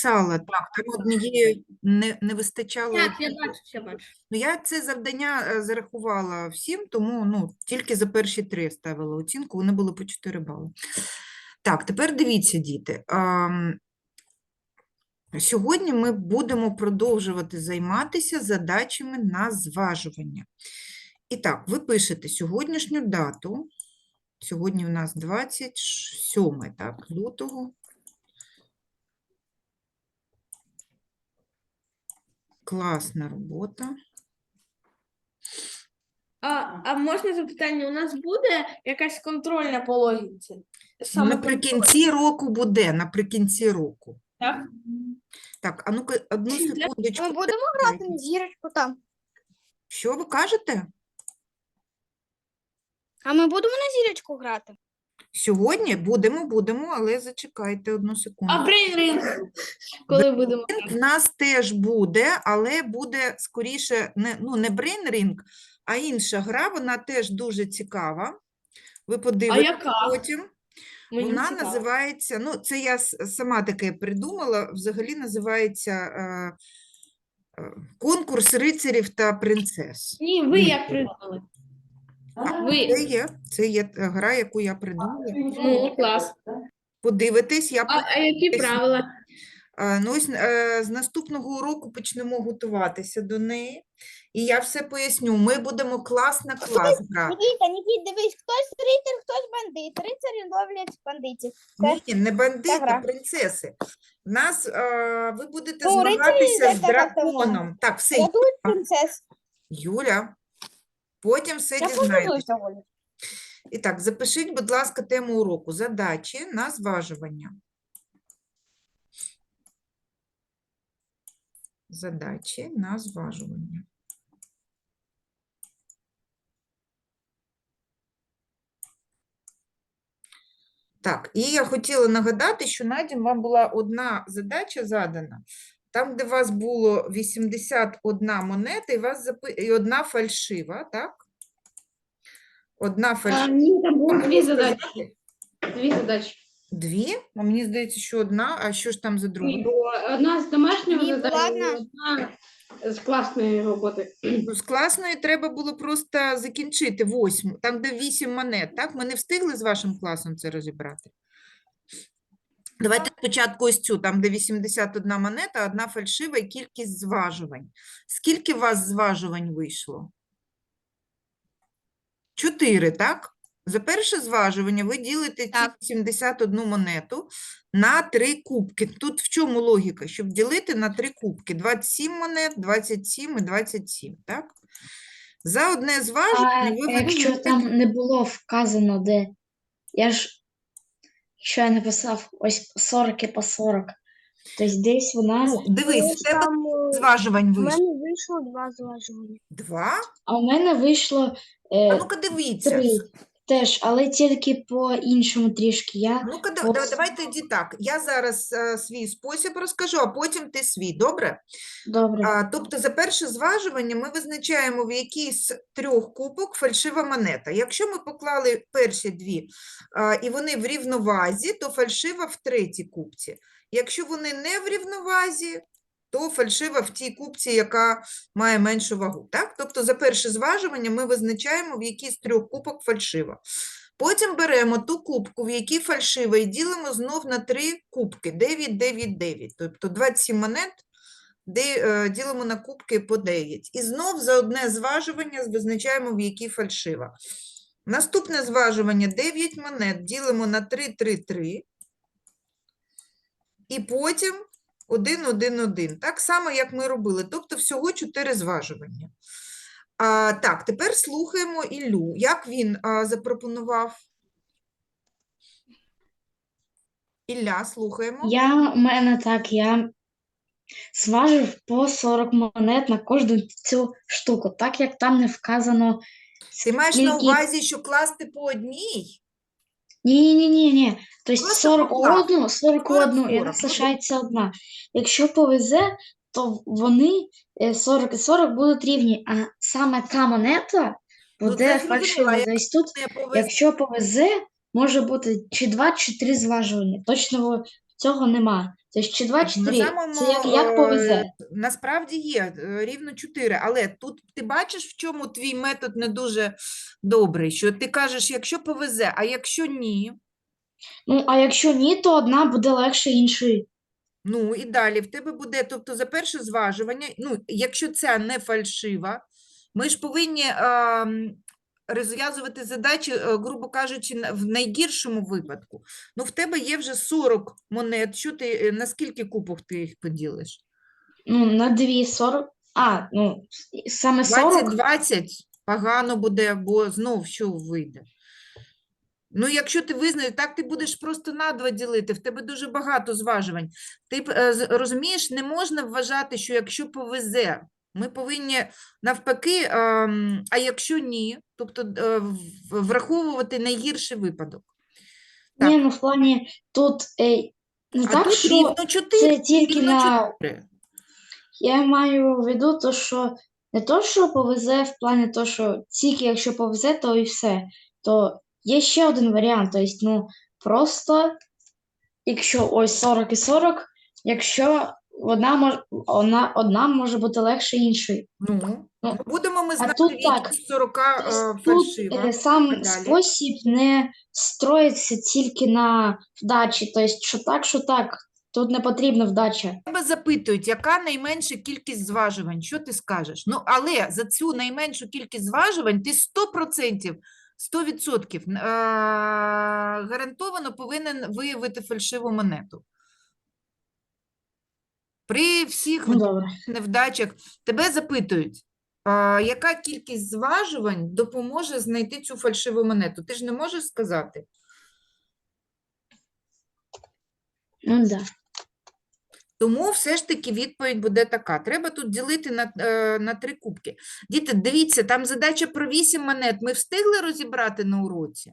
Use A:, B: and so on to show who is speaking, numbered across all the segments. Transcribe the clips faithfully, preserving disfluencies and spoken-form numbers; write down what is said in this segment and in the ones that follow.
A: написала, так, там однієї не, не вистачало.
B: Так, я
A: однієї.
B: бачу, я бачу.
A: Ну, я це завдання е, зарахувала всім, тому ну, тільки за перші три ставила оцінку, вони були по чотири бали. Так, тепер дивіться, діти. ам, Сьогодні ми будемо продовжувати займатися задачами на зважування. І так, ви пишете сьогоднішню дату. Сьогодні у нас двадцять сьоме, так, лютого. Класна робота.
B: А, а можна запитання? У нас буде якась контрольна по логіці? Саме
A: Наприкінці року буде, наприкінці року.
B: так?
A: Так, а ну-ка, одну секундочку.
C: Ми будемо грати на зірочку там.
A: Що ви кажете?
C: А ми будемо на зірочку грати?
A: Сьогодні будемо, будемо, але зачекайте одну секунду.
B: А брейн-ринг? Коли будемо?
A: В нас теж буде, але буде скоріше не, ну, не Brain Ring, а інша гра, вона теж дуже цікава. Ви
B: А
A: подивитесь
B: яка?
A: потім.
B: Мені
A: Вона
B: цікаво.
A: називається, ну, це я с- сама таке придумала, взагалі називається е, е, конкурс рицарів та принцес.
B: Ні, ви як придумали? Ви.
A: Це є, це є е, гра, яку я придумала.
B: Ну, клас.
A: Подивитесь, я
B: А, а які
A: поясню.
B: правила?
A: Е, Ну, ось е, з наступного уроку почнемо готуватися до неї. І я все поясню. Ми будемо клас на клас грати.
C: Нікіта, Нікіт, дивись, хтось рицар, хтось бандит. Рицарі ловлять бандитів.
A: Ні, не бандити,
C: гра.
A: принцеси. В нас е, ви будете
C: Ну, рицарі,
A: змагатися з
C: так, так, так, так.
A: драконом. Так, все,
C: Рятують принцес.
A: Юля. Потім все
C: Я
A: дізнаєтесь.
C: подивлюсь сьогодні.
A: І так, запишіть, будь ласка, тему уроку. Задачі на зважування. Задачі на зважування. Так, і я хотіла нагадати, що Надім вам була одна задача задана, там, де у вас було вісімдесят одна монета і, вас запи... і одна фальшива, так? Одна
B: А,
A: фальшива.
B: ні, там було дві
A: Просто
B: задачі.
A: знати-
B: Дві задачі.
A: Дві? А мені здається, що одна, а що ж там за друга?
B: Ні, було одна з домашнього
C: Ні,
B: завдання,
C: була
B: і одна з класної роботи.
A: Ну, з класної треба було просто закінчити восьму, там, де вісім монет, так? Ми не встигли з вашим класом це розібрати. Давайте спочатку ось цю, там, де вісімдесят одна монета, одна фальшива і кількість зважувань. Скільки у вас зважувань вийшло? Чотири, так? За перше зважування ви ділите ці
C: Так.
A: вісімдесят одну монету на три кубки. Тут в чому логіка? Щоб ділити на три кубки. двадцять сім монет, двадцять сім і двадцять сім, так? За одне
D: А
A: зважування ви
D: якщо
A: вирішуєте-
D: там не було вказано, де я ж, якщо я написав ось сорок і по сорок, то десь вона,
A: Ну, дивись, в тебе
C: Там е,
A: зважувань
C: в
A: вийшло.
C: мене вийшло два зважування.
A: Два?
D: а у мене вийшло
A: А
D: е,
A: ну-ка дивіться.
D: три теж, але тільки по іншому трішки. Я
A: Ну-ка, да-
D: по
A: да- давайте тоді так. Я зараз е, свій спосіб розкажу, а потім ти свій, добре?
D: добре.
A: А, тобто за перше зважування ми визначаємо, в якій з трьох кубок фальшива монета. Якщо ми поклали перші дві а, і вони в рівновазі, то фальшива в третій кубці. Якщо вони не в рівновазі, то фальшива в тій кубці, яка має меншу вагу. Так? Тобто за перше зважування ми визначаємо, в якій з трьох кубок фальшива. Потім беремо ту кубку, в якій фальшива, і ділимо знов на три кубки. дев'ять, дев'ять, дев'ять. Тобто двадцять сім монет де, е, ділимо на кубки по дев'ять. І знов за одне зважування визначаємо, в якій фальшива. Наступне зважування дев'ять монет ділимо на три, три, три. І потім один, один, один. Так само, як ми робили. Тобто всього чотири зважування. А, так, тепер слухаємо Іллю. Як він а, запропонував? Ілля, слухаємо.
D: Я, у мене так, я зважив по сорок монет на кожну цю штуку, так як там не вказано.
A: Ти маєш на
D: скільки-
A: увазі, що класти по одній?
D: Ні, ні, ні, ні. Тобто
A: Просто
D: сорок
A: поклав.
D: одну, сорок одну, і
A: сорок,
D: нас лишається одна. Якщо повезе, то вони е, сорок і сорок будуть рівні, а саме та монета
A: Ну,
D: буде
A: це зрозуміло,
D: фальшива.
A: а
D: Тобто тут,
A: Не повезло.
D: якщо повезе, може бути чи два, чи три зважування. Точно цього нема. Тобто чи два,
A: Так,
D: чи
A: на
D: три.
A: самому,
D: Це як, як
A: е,
D: повезе.
A: насправді є е, рівно чотири, але тут ти бачиш, в чому твій метод не дуже добрий, що ти кажеш, якщо повезе, а якщо ні,
D: Ну, а якщо ні, то одна буде легше іншої.
A: ну і далі в тебе буде, тобто за перше зважування, ну, якщо ця не фальшива, ми ж повинні ем, розв'язувати задачі, е, грубо кажучи, на- в найгіршому випадку. Ну, в тебе є вже сорок монет, що ти, е, на скільки кубок ти їх поділиш?
D: Ну, на дві сорок. А, ну, саме
A: двадцять
D: сорок.
A: двадцять погано буде, бо знов що вийде. Ну, якщо ти визнаєш, так ти будеш просто на два ділити, в тебе дуже багато зважувань. Ти б, е, з- розумієш, не можна вважати, що якщо повезе, ми повинні навпаки, ем, а якщо ні, тобто е, в- враховувати найгірший випадок.
D: Ні,
A: Так,
D: ну в плані тут е, не
A: а
D: так,
A: тут
D: що
A: рівно чотири,
D: це тільки
A: рівно
D: на.
A: чотири.
D: Я маю в виду, то, що не то, що повезе в плані то, що тільки якщо повезе, то і все. То є ще один варіант. Тобто, ну, просто якщо ось сорок і сорок, якщо одна може, одна, одна може бути легше іншої.
A: Ну,
D: Ну,
A: ну, будемо ми
D: а
A: знати,
D: тут
A: в
D: так.
A: якій з сорока
D: Тобто
A: е,
D: тут
A: фальшива.
D: е,
A: А
D: сам
A: далі?
D: спосіб не строїться тільки на вдачі. Тобто, що так, що так. Тут не потрібна вдача.
A: Тебе запитують, яка найменша кількість зважувань, що ти скажеш? Ну, але за цю найменшу кількість зважувань ти сто відсотків, сто відсотків е, гарантовано повинен виявити фальшиву монету. При всіх
D: Ну,
A: вд-
D: добре.
A: невдачах тебе запитують, е, яка кількість зважувань допоможе знайти цю фальшиву монету? Ти ж не можеш сказати?
D: Ну, да.
A: Тому все ж таки відповідь буде така. Треба тут ділити на, е, на три кубки. Діти, дивіться, там задача про вісім монет. Ми встигли розібрати на уроці?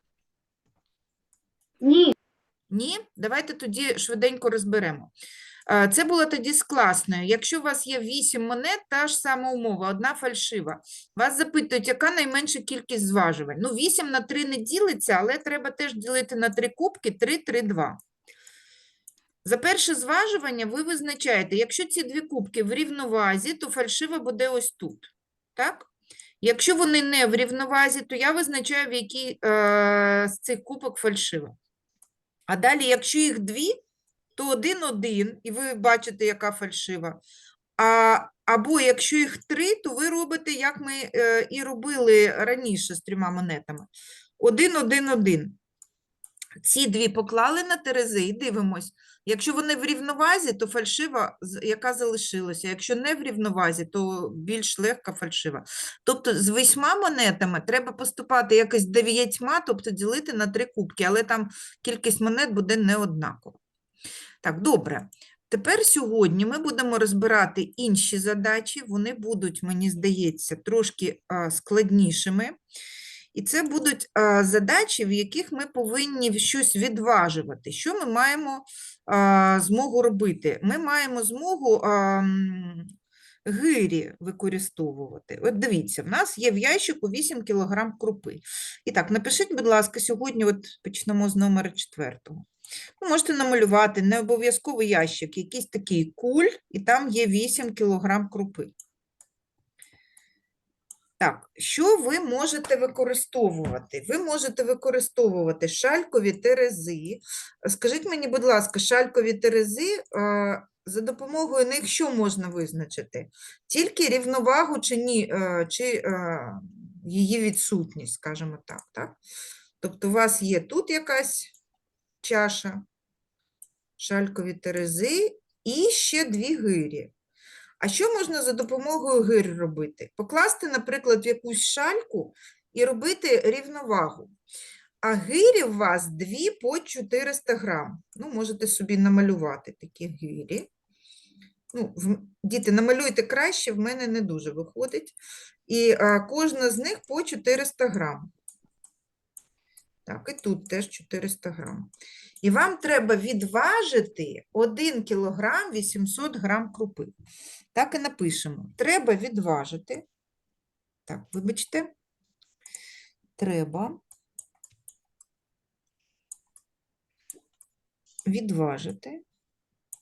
D: Ні.
A: Ні? Давайте тоді швиденько розберемо. Е, Це було тоді з класною. Якщо у вас є вісім монет, та ж сама умова, одна фальшива. Вас запитують, яка найменша кількість зважувань. Ну, вісім на три не ділиться, але треба теж ділити на три кубки, три, три, два. За перше зважування ви визначаєте, якщо ці дві кубки в рівновазі, то фальшива буде ось тут. Так? Якщо вони не в рівновазі, то я визначаю, в який е, з цих кубок фальшива. А далі, якщо їх дві, то один-один, і ви бачите, яка фальшива. А, або якщо їх три, то ви робите, як ми е, і робили раніше з трьома монетами. Один-один-один. Ці дві поклали на терези і дивимось. Якщо вони в рівновазі, то фальшива, з- яка залишилася. Якщо не в рівновазі, то більш легка фальшива. Тобто з восьма монетами треба поступати якось дев'ятьма, тобто ділити на три кубки, але там кількість монет буде не однакова. Так, добре. Тепер сьогодні ми будемо розбирати інші задачі. Вони будуть, мені здається, трошки а, складнішими. І це будуть а, задачі, в яких ми повинні щось відважувати. Що ми маємо а, змогу робити? Ми маємо змогу а, м, гирі використовувати. От дивіться, в нас є в ящику вісім кілограм крупи. І так, напишіть, будь ласка, сьогодні от почнемо з номера четвертого. Ви можете намалювати не обов'язково ящик, якийсь такий куль, і там є вісім кілограм крупи. Так, що ви можете використовувати? Ви можете використовувати шалькові терези. Скажіть мені, будь ласка, шалькові терези, е, за допомогою них що можна визначити? Тільки рівновагу чи ні, е, чи е, її відсутність, скажімо так, так? Тобто у вас є тут якась чаша, шалькові терези і ще дві гирі. А що можна за допомогою гир робити? Покласти, наприклад, в якусь шальку і робити рівновагу. А гирі у вас дві по чотириста грам. Ну, можете собі намалювати такі гирі. Ну, в- діти, намалюйте краще, в мене не дуже виходить. І а, кожна з них по чотириста грам. Так, і тут теж чотириста грам. І вам треба відважити один кілограм вісімсот грам крупи. Так і напишемо. Треба відважити. Так, вибачте. Треба відважити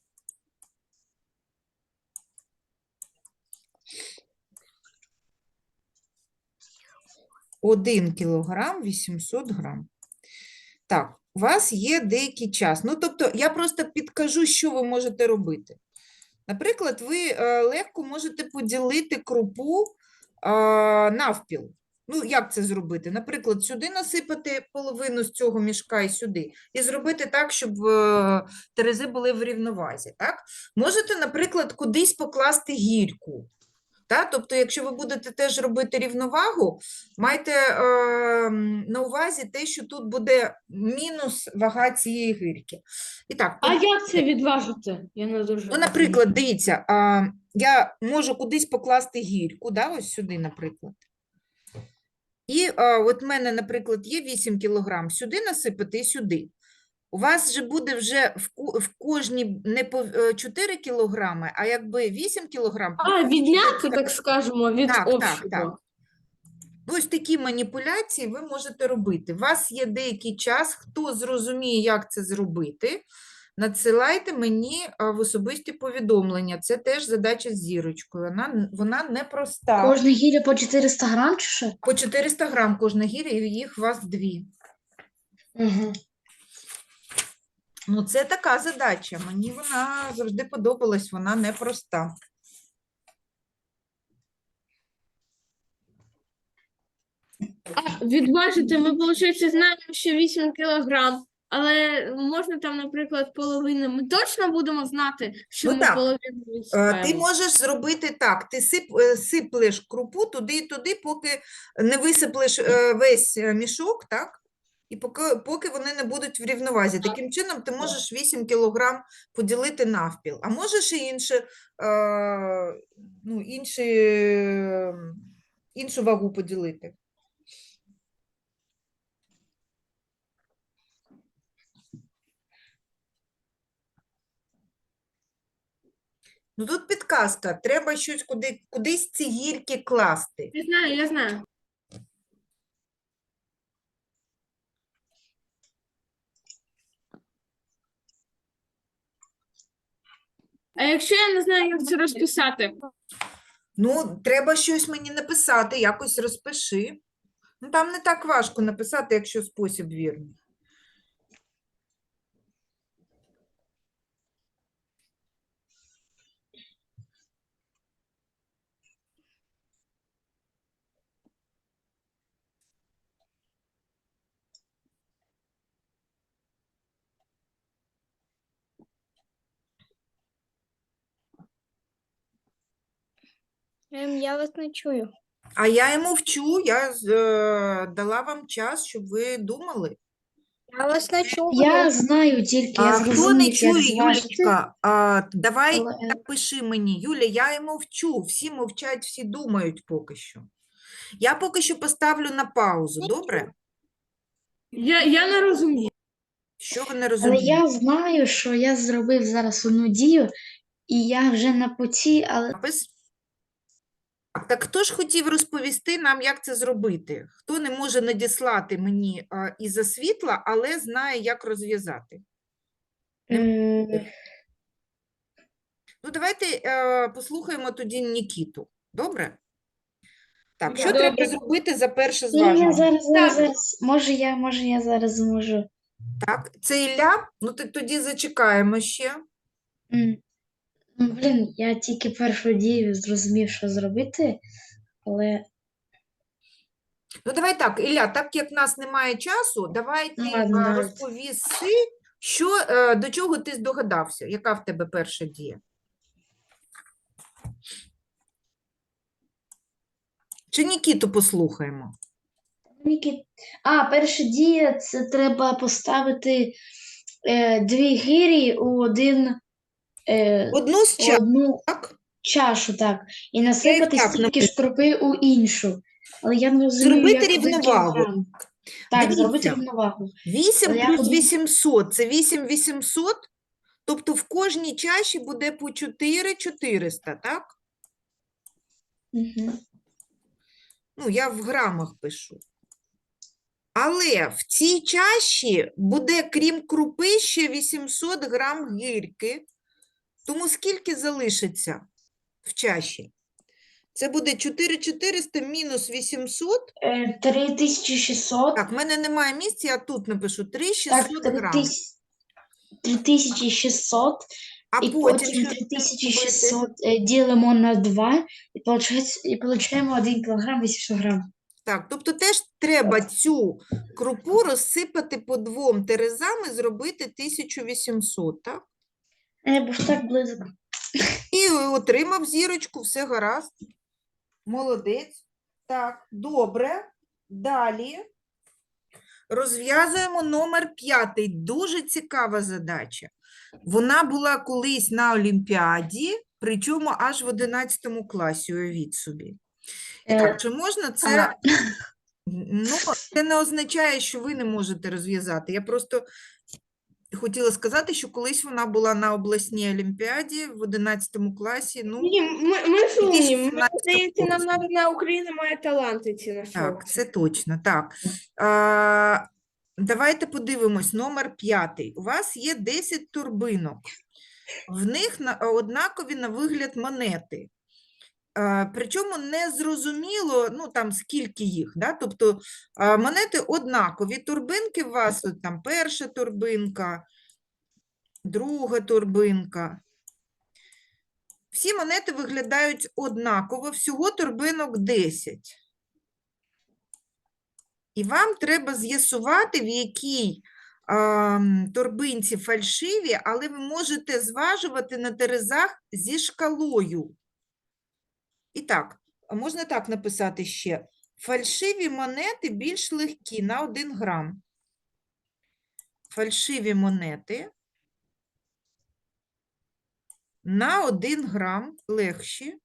A: один кілограм вісімсот грам. Так, у вас є деякий час. Ну, тобто, я просто підкажу, що ви можете робити. Наприклад, ви е, легко можете поділити крупу е, навпіл. Ну, як це зробити? Наприклад, сюди насипати половину з цього мішка і сюди. І зробити так, щоб е, терези були в рівновазі. Так? Можете, наприклад, кудись покласти гірку. Та? Тобто, якщо ви будете теж робити рівновагу, майте е, на увазі те, що тут буде мінус вага цієї гірки. І так,
B: А як це відважити? Я не дуже.
A: ну, наприклад, дивіться, а, я можу кудись покласти гірку, да, ось сюди, наприклад. І а, от в мене, наприклад, є вісім кілограм, сюди насипати і сюди. У вас же буде вже в, ку- в кожній не по е, чотири кілограми, а якби вісім кілограм.
B: А, відняти, так скажемо, від
A: Так, так,
B: общого.
A: так. Ну, ось такі маніпуляції ви можете робити. У вас є деякий час, хто зрозуміє, як це зробити, надсилайте мені а, в особисті повідомлення. Це теж задача з зірочкою. Вона, н- вона непроста.
D: Кожна гіря по чотириста грам чи що?
A: По чотириста грам кожна гіря, і їх у вас дві.
D: Угу.
A: Ну, це така задача. Мені вона завжди подобалась, вона непроста.
B: А відважити ми, виходить, знаємо, що вісім кілограм, але можна там, наприклад, половину. Ми точно будемо знати, що
A: Ну
B: ми
A: так.
B: половину
A: Е, Ти
B: відсипаємо?
A: можеш зробити так, ти сип, е, сиплеш крупу туди і туди, поки не висиплеш е, весь е, мішок, так? І поки, поки вони не будуть в рівновазі. Таким чином ти можеш вісім кілограм поділити навпіл, а можеш і інше, е, ну, інші, е, іншу вагу поділити. Ну тут підказка, треба щось куди, кудись ці гірки класти.
B: Я знаю, я знаю. А якщо я не знаю, як це розписати?
A: Ну, треба щось мені написати, якось розпиши. Ну, там не так важко написати, якщо спосіб вірний.
C: Ем, я вас не чую.
A: А я йому вчу, я з- е, дала вам час, щоб ви думали.
C: Я вас не чую.
D: Я знаю тільки,
A: А
D: я
A: хто не
D: зрозумів, як
A: чує,
D: зважити.
A: Юлічка, а, давай
D: але-
A: напиши мені. Юля, я йому вчу, всі мовчать, всі думають поки що. Я поки що поставлю на паузу, добре?
B: Я, я не розумію.
A: Що ви не
D: Але
A: розумієте?
D: я знаю, що я зробив зараз одну дію, і я вже на путі, але
A: Напис? Так, так хто ж хотів розповісти нам, як це зробити? Хто не може надіслати мені а, із-за світла, але знає, як розв'язати?
D: м,
A: Ну, давайте е, послухаємо тоді Нікіту. Добре? Так, що
B: Добре.
A: треба зробити за перше
D: ні, я
A: зважування?
D: зараз, зараз,
B: Так.
D: зараз. Може, я, може, я зараз зможу.
A: Так, це Ілля? Ну, ти тоді зачекаємо ще.
D: М, ну, Блін, я тільки першу дію зрозумів, що зробити, але
A: Ну, давай так, Ілля, так як в нас немає часу, давай ти
D: Ну, ладно,
A: а,
D: давайте.
A: розповіси, що, е, до чого ти здогадався, яка в тебе перша дія? Чи Нікіту послухаємо?
D: Ніки- А, перша дія це треба поставити е, дві гирі у один е,
A: Одну з
D: у
A: часу,
D: одну
A: так?
D: чашу, так, і насипати
A: так
D: стільки ж крупи у іншу. Але я не розумію,
A: Зробити
D: як один
A: рівновагу.
D: кілограм. Так, зробити
A: Дивіться.
D: рівновагу.
A: вісім
D: Але я
A: плюс
D: подум-
A: вісімсот – це вісім вісімсот, тобто в кожній чаші буде по чотири чотириста, так?
D: Угу.
A: Ну, я в грамах пишу. Але в цій чаші буде, крім крупи, ще вісімсот грам гірки. Тому скільки залишиться в чаші? Це буде чотири тисячі чотириста мінус вісімсот.
D: Е, три тисячі шістсот.
A: Так, в мене немає місця, я тут напишу три тисячі
D: Так,
A: шістсот
D: три
A: грам.
D: тисячі три тисячі шістсот.
A: А
D: І
A: потім
D: потім
A: що
D: три тисячі
A: робити?
D: шістсот е, ділимо на два і, получається, і получаємо один кілограм вісімсот грам.
A: Так, тобто теж треба цю крупу розсипати по двом терезам і зробити тисячу вісімсот, так?
D: Я був так близько.
A: І отримав зірочку, все гаразд. Молодець. Так, добре. Далі розв'язуємо номер п'ятий. Дуже цікава задача. Вона була колись на Олімпіаді, причому аж в одинадцятому класі, уявіть собі. І
D: Е,
A: так, чи можна це?
D: а-
A: Ну, це не означає, що ви не можете розв'язати. Я просто хотіла сказати, що колись вона була на обласній олімпіаді в одинадцятому класі. Ну,
B: Ні, ми, ми ж умні. Мені
A: сімнадцятого
B: здається, нам
A: року.
B: Народна Україна має таланти ці на
A: Так,
B: шоу.
A: це точно. Так. А, давайте подивимось. Номер п'ятий. У вас є десять турбинок. В них на, однакові на вигляд монети. А, причому не зрозуміло, ну, там, скільки їх, да? Тобто а, монети однакові. Турбинки у вас, от, там, перша турбинка, друга турбинка. Всі монети виглядають однаково, всього турбинок десять. І вам треба з'ясувати, в якій а, торбинці фальшиві, але ви можете зважувати на терезах зі шкалою. І так, а можна так написати ще. Фальшиві монети більш легкі на один грам. Фальшиві монети на один грам легші.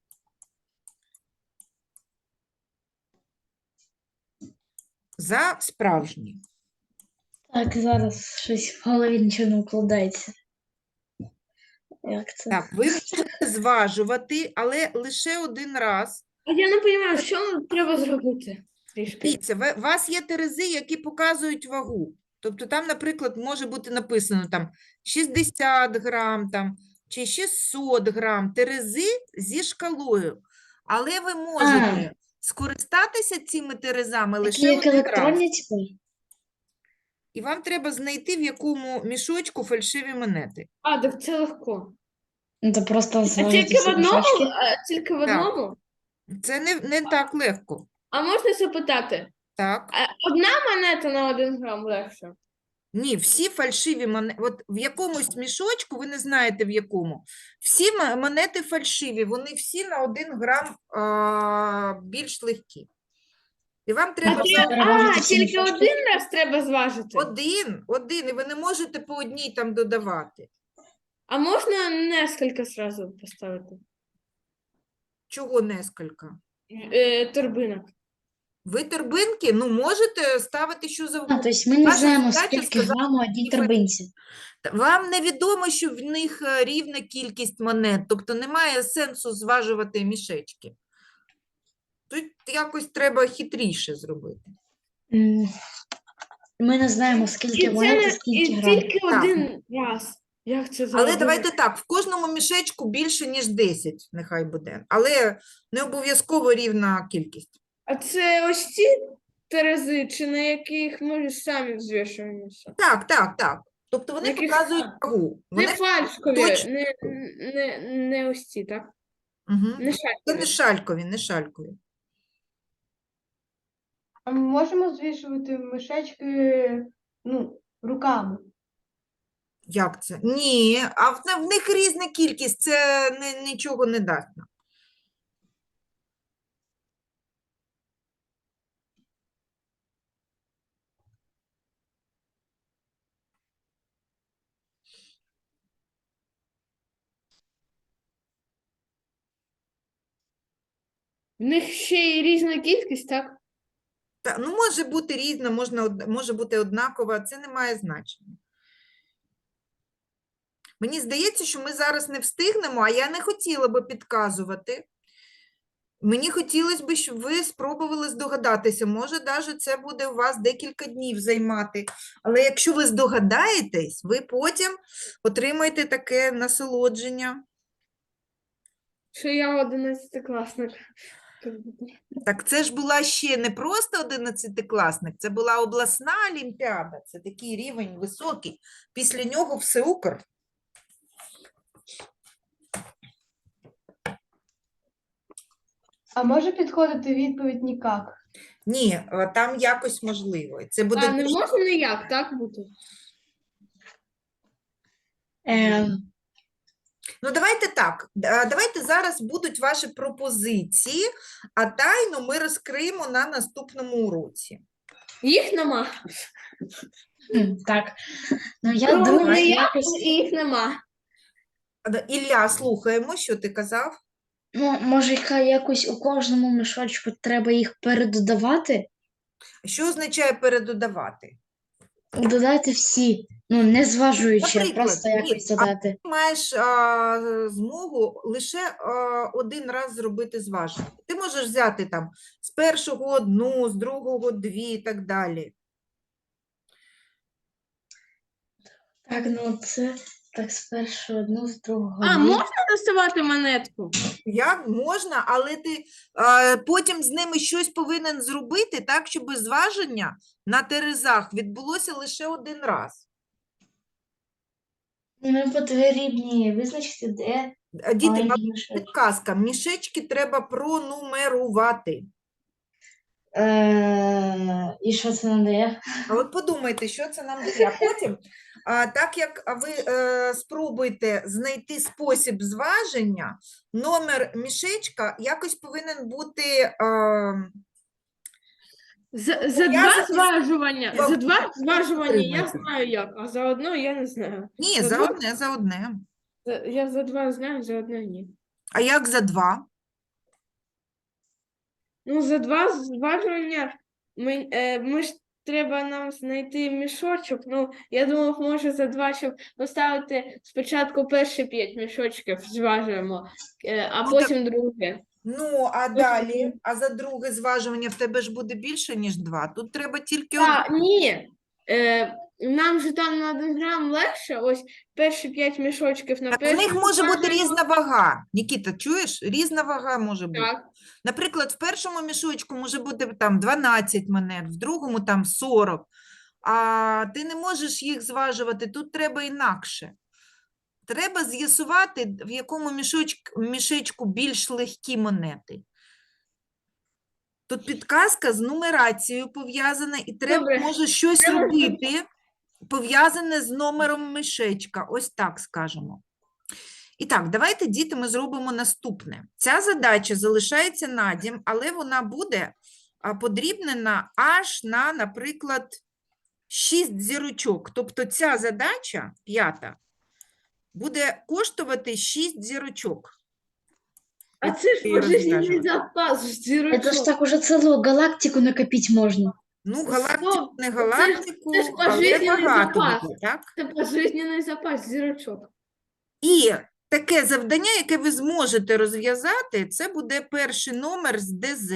A: За справжні.
D: Так, зараз щось в голові нічого не укладається. Як це?
A: Так, ви можете зважувати, але лише один раз.
B: А я не розумію, що нам треба зробити трішки.
A: Дивіться, ви- у вас є терези, які показують вагу. Тобто там, наприклад, може бути написано там шістдесят грам там, чи шістсот грам терези зі шкалою. Але ви можете скористатися цими терезами
D: Такі
A: лише
D: як
A: один раз.
D: електронні типу?
A: І вам треба знайти, в якому мішочку фальшиві монети.
B: А, так це легко.
D: Ну, то просто
B: А
D: зважити
B: тільки в
D: всі
B: одному?
D: мішочки.
B: А, тільки в
A: Так.
B: одному?
A: Це не, не так легко.
B: А можна запитати?
A: Так?
B: А одна монета на один грам легше?
A: Ні, всі фальшиві монети, от в якомусь мішочку, ви не знаєте в якому, всі мо- монети фальшиві, вони всі на один грам а, більш легкі. І вам
B: А,
A: треба
B: ті-
A: за
D: переважити
B: а,
D: всі
B: тільки
D: мішочки.
B: один раз треба зважити.
A: один, один, і ви не можете по одній там додавати.
B: А можна несколько сразу поставити?
A: Чого нескільки?
B: Е, торбинок.
A: Ви торбинки, ну, можете ставити що
D: А,
A: завгодно.
D: тобто ми не
A: Ваша
D: знаємо,
A: задача
D: скільки
A: сказати,
D: грам у одній
A: які фальшиві.
D: торбинці.
A: Та вам невідомо, що в них е, рівна кількість монет, тобто немає сенсу зважувати мішечки. Тут якось треба хитріше зробити.
D: М, Ми не знаємо,
B: І
D: скільки
B: це
D: монет і
B: не-
D: скільки
B: і
D: грам.
B: тільки
A: Так.
B: один раз. Як це
A: Але
B: зробити?
A: давайте так, в кожному мішечку більше, ніж десять, нехай буде. Але не обов'язково рівна кількість.
B: А це ось ці терези, чи на яких ми самі взвішуємося?
A: Так, так, так. Тобто вони
B: Яких
A: показують
B: сам?
A: вагу.
B: Не
A: Вони...
B: фальшкові,
A: точно.
B: не, не, не ось ці, так?
A: Угу.
B: Не
A: Це
B: шалькові.
A: не шалькові, не шалькові.
E: А ми можемо звішувати мишечки, ну, руками?
A: Як це? Ні, а в, в них різна кількість, це не, нічого не дасть нам.
B: В них ще й різна кількість, так?
A: Та, ну, може бути різна, можна, од- може бути однакова, це не має значення. Мені здається, що ми зараз не встигнемо, а я не хотіла би підказувати. Мені хотілося б, щоб ви спробували здогадатися. Може, навіть це буде у вас декілька днів займати. Але якщо ви здогадаєтесь, ви потім отримаєте таке насолодження.
B: Що я одинадцятикласник.
A: Так це ж була ще не просто одинадцятикласник, це була обласна олімпіада. Це такий рівень високий. Після нього всеукр.
E: А може підходити відповідь нікак?
A: Ні, е, там якось можливо. Це буде
B: А не
A: дуже-
B: може ніяк так бути?
D: Ем,
A: Ну, давайте так. е, Давайте зараз будуть ваші пропозиції, а тайну ми розкриємо на наступному уроці.
B: Їх нема.
D: хм, так. Ну, я
B: Ну,
D: думаю,
B: не я,
D: якось,
B: і їх нема.
A: А, да, Ілля, слухаємо, що ти казав?
D: ну, може, яка- якось у кожному мішочку треба їх передодавати,
A: Що означає передодавати?
D: додати всі, ну, не зважуючи, а
A: Наприклад,
D: просто
A: ні,
D: якось
A: а
D: додати.
A: Ти маєш а, змогу лише а, один раз зробити зваження. Ти можеш взяти там з першого одну, з другого дві і так далі.
D: Так, ну це так спершу одну, з другого
B: А,
D: дві.
B: можна доставати монетку?
A: Як можна, але ти а, потім з ними щось повинен зробити так, щоб зваження на терезах відбулося лише один раз.
D: Ми потрібні визначити, де
A: А, Діти, вам
D: маленький мішочок.
A: підказка, мішечки треба пронумерувати.
D: Е, і що це надає?
A: А от подумайте, що це нам дає. А потім, а, так як ви е, спробуєте знайти спосіб зваження, номер мішечка якось повинен бути е,
B: За, за
A: Я
B: два
A: за-
B: зважування.
A: Вам-
B: За два зважування я
A: Підтримайте.
B: знаю як, а за одно я не знаю.
A: ні,
B: За
A: за
B: два?
A: одне, за одне.
B: За- Я за два знаю, за одне ні.
A: А як за два?
B: Ну, за два зважування ми, е, ми ж треба нам знайти мішочок. Ну, я думав, може за два, щоб поставити спочатку перші п'ять мішочків зважуємо, е, а
A: Ну, так-
B: потім друге.
A: Ну, а далі, а за друге зважування в тебе ж буде більше, ніж два. Тут треба тільки
B: А,
A: одне.
B: ні. Е, нам же там на один грам легше, ось перші п'ять мішочків на
A: Так, у
B: першому
A: них може бути
B: зважуємо.
A: різна вага. Нікіта, чуєш? Різна вага може бути.
B: Так.
A: Наприклад, в першому мішочку може бути там дванадцять монет, в другому там сорок. А ти не можеш їх зважувати, тут треба інакше. Треба з'ясувати, в якому мішочку, мішечку більш легкі монети. Тут підказка з нумерацією пов'язана, і треба,
B: Добре.
A: може, щось
B: Треба, щоб-
A: робити, пов'язане з номером мішечка. Ось так скажемо. І так, давайте, діти, ми зробимо наступне. Ця задача залишається на дім, але вона буде а, подрібнена аж на, наприклад, шість зірочок. Тобто ця задача, п'ята, буде коштувати шість зірочок.
B: А це ж
A: Ти її
B: пожизненний
A: розв'яжеш.
B: запас
D: Це ж
B: зірочок.
D: так уже цілу галактику накопити можна.
A: Ну, галактику,
B: Стоп,
A: не
B: це ж-
A: галактику,
B: це ж
A: але
B: пожизненний
A: багато
B: запас.
A: буде, так?
B: Це пожизненний запас зірочок.
A: І таке завдання, яке ви зможете розв'язати, це буде перший номер з ДЗ.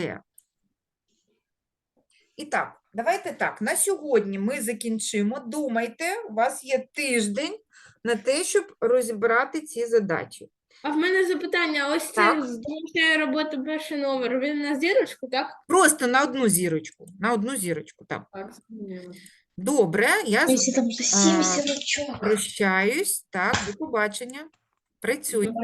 A: І так, давайте так, на сьогодні ми закінчимо. Думайте, у вас є тиждень на те, щоб розібрати ці задачі.
B: А в мене запитання, ось це
A: Так.
B: залишає роботи перший номер. Він на зірочку, так?
A: Просто на одну зірочку, на одну зірочку, так.
B: Так, зрозуміло.
A: Добре, я з
D: Якщо там сім
A: А,
D: зірочок.
A: прощаюсь, так, до побачення. Працюйте.